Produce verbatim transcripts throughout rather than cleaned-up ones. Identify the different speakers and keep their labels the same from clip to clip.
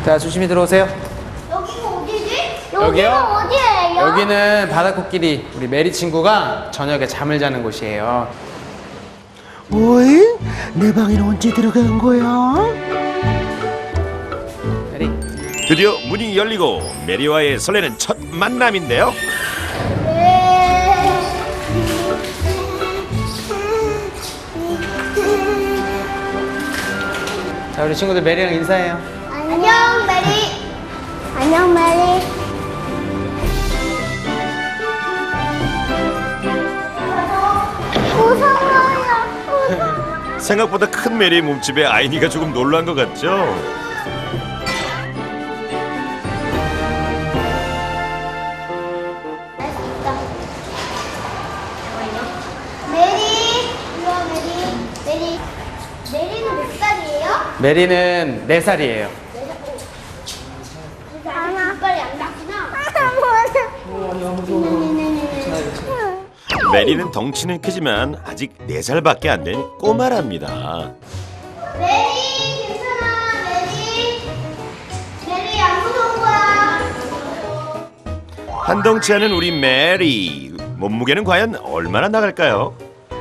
Speaker 1: 자, 조심히 들어오세요.
Speaker 2: 여기가 어디지?
Speaker 1: 여기요?
Speaker 2: 여기가 어디예요?
Speaker 1: 여기는 바다코끼리 우리 메리 친구가 저녁에 잠을 자는 곳이에요.
Speaker 3: 어이? 내 방에는 언제 들어간 거야?
Speaker 1: 메리.
Speaker 4: 드디어 문이 열리고 메리와의 설레는 첫 만남인데요.
Speaker 1: 자, 우리 친구들 메리랑 인사해요.
Speaker 2: 안녕 메리. 안녕 메리. 무서워요. 무서워.
Speaker 4: 생각보다 큰 메리의 몸집에 아이니가 조금 놀란 것 같죠?
Speaker 2: 메리. 이리 와 메리. 메리. 메리는 몇 살이에요?
Speaker 1: 메리는 네 살이에요.
Speaker 2: 아마 이빨이 안 닿구나.
Speaker 4: 메리는 덩치는 크지만 아직 네 살밖에 안 된 꼬마랍니다.
Speaker 2: 메리 괜찮아 메리. 메리 안 무서운 거야.
Speaker 4: 한 덩치 하는 우리 메리. 몸무게는 과연 얼마나 나갈까요?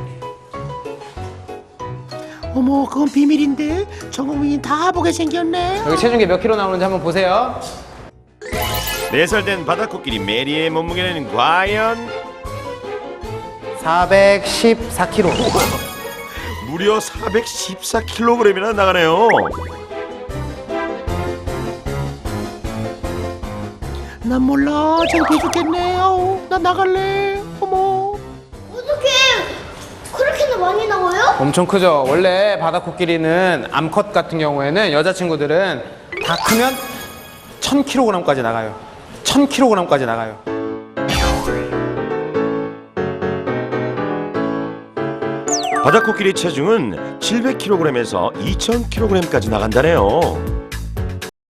Speaker 3: 어머, 그건 비밀인데 전 국민이 다 보게 생겼네.
Speaker 1: 여기 체중계 몇 킬로 나오는지 한번 보세요.
Speaker 4: 네 살 된 바다코끼리 메리의 몸무게는 과연
Speaker 1: 사백십사 킬로.
Speaker 4: 무려 사백십사 킬로그램이나 나가네요.
Speaker 3: 난 몰라. 창피해 죽겠네. 아우, 나 나갈래. 어머.
Speaker 2: 어떻게 그렇게나 많이 나와요?
Speaker 1: 엄청 크죠? 원래 바다코끼리는 암컷 같은 경우에는 여자친구들은 다 크면 천 킬로그램까지 나가요. 천 킬로그램까지 나가요.
Speaker 4: 바다코끼리 체중은 칠백 킬로그램에서 이천 킬로그램까지 나간다네요.